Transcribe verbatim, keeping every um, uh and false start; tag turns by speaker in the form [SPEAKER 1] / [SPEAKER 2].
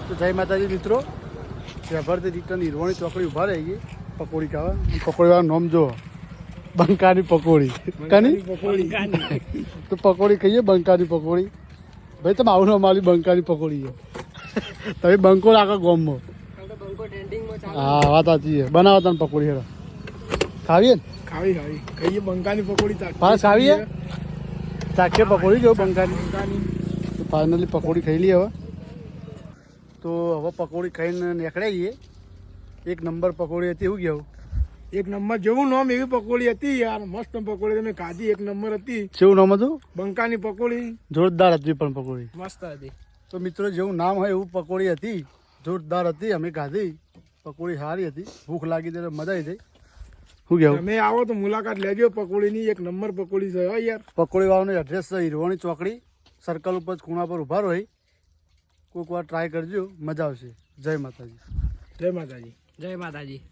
[SPEAKER 1] તો જય માતાજી મિત્રો, વ્યવહારથી રિટર્ન હીરવાણી ચોકડી ઊભા રહી ગઈ પકોડી ખાવા. પકોડી વાળા નામ જો બંકાની પકોડી. કાની તો પકોડી ખાઈએ બંકાની પકોડી. ભાઈ તમે આવું ના મારી બંકાની પકોડી છે. તમે બંકો રાખો ગોમમાં. હા વાત સાચી છે. બનાવો તને પકોડી હેડા ખાવીએ ને?
[SPEAKER 2] ખાવી ખાવી ખાઈએ બંકાની પકોડી.
[SPEAKER 1] પાસ ખાવીએ ચાખીએ પકોડી જો બંકાની. તો ફાઇનલી પકોડી ખાઈ લઈએ હવે. તો હવે પકોડી ખાઈને નીકળાઈએ. એક નંબર પકોડી હતી. એવું કેવું?
[SPEAKER 2] એક નંબર જેવું નામ એવી પકોડી હતી યાર. મસ્ત પકોડી તમે ખાધી. એક નંબર હતી.
[SPEAKER 1] કેવું નામ હતું?
[SPEAKER 2] બંકાની પકોડી.
[SPEAKER 1] જોરદાર હતી પણ પકોડી
[SPEAKER 2] મસ્ત હતી.
[SPEAKER 1] તો મિત્રો જેવું નામ હોય એવું પકોડી હતી. જોરદાર હતી. અમે ખાધી પકોડી સારી હતી. ભૂખ લાગી ત્યારે મજા આવી ગઈ. શું કેવું?
[SPEAKER 2] તમે આવો તો મુલાકાત લેજો પકોડીની. એક નંબર પકોડી છે હો યાર.
[SPEAKER 1] પકોડી વાળાનું એડ્રેસ છે હીરવાણી ચોકડી સર્કલ ઉપર ખૂણા પર ઊભા રહી. કોઈક વાર ટ્રાય કરજો, મજા આવશે. જય માતાજી.
[SPEAKER 2] જય માતાજી.
[SPEAKER 3] જય માતાજી.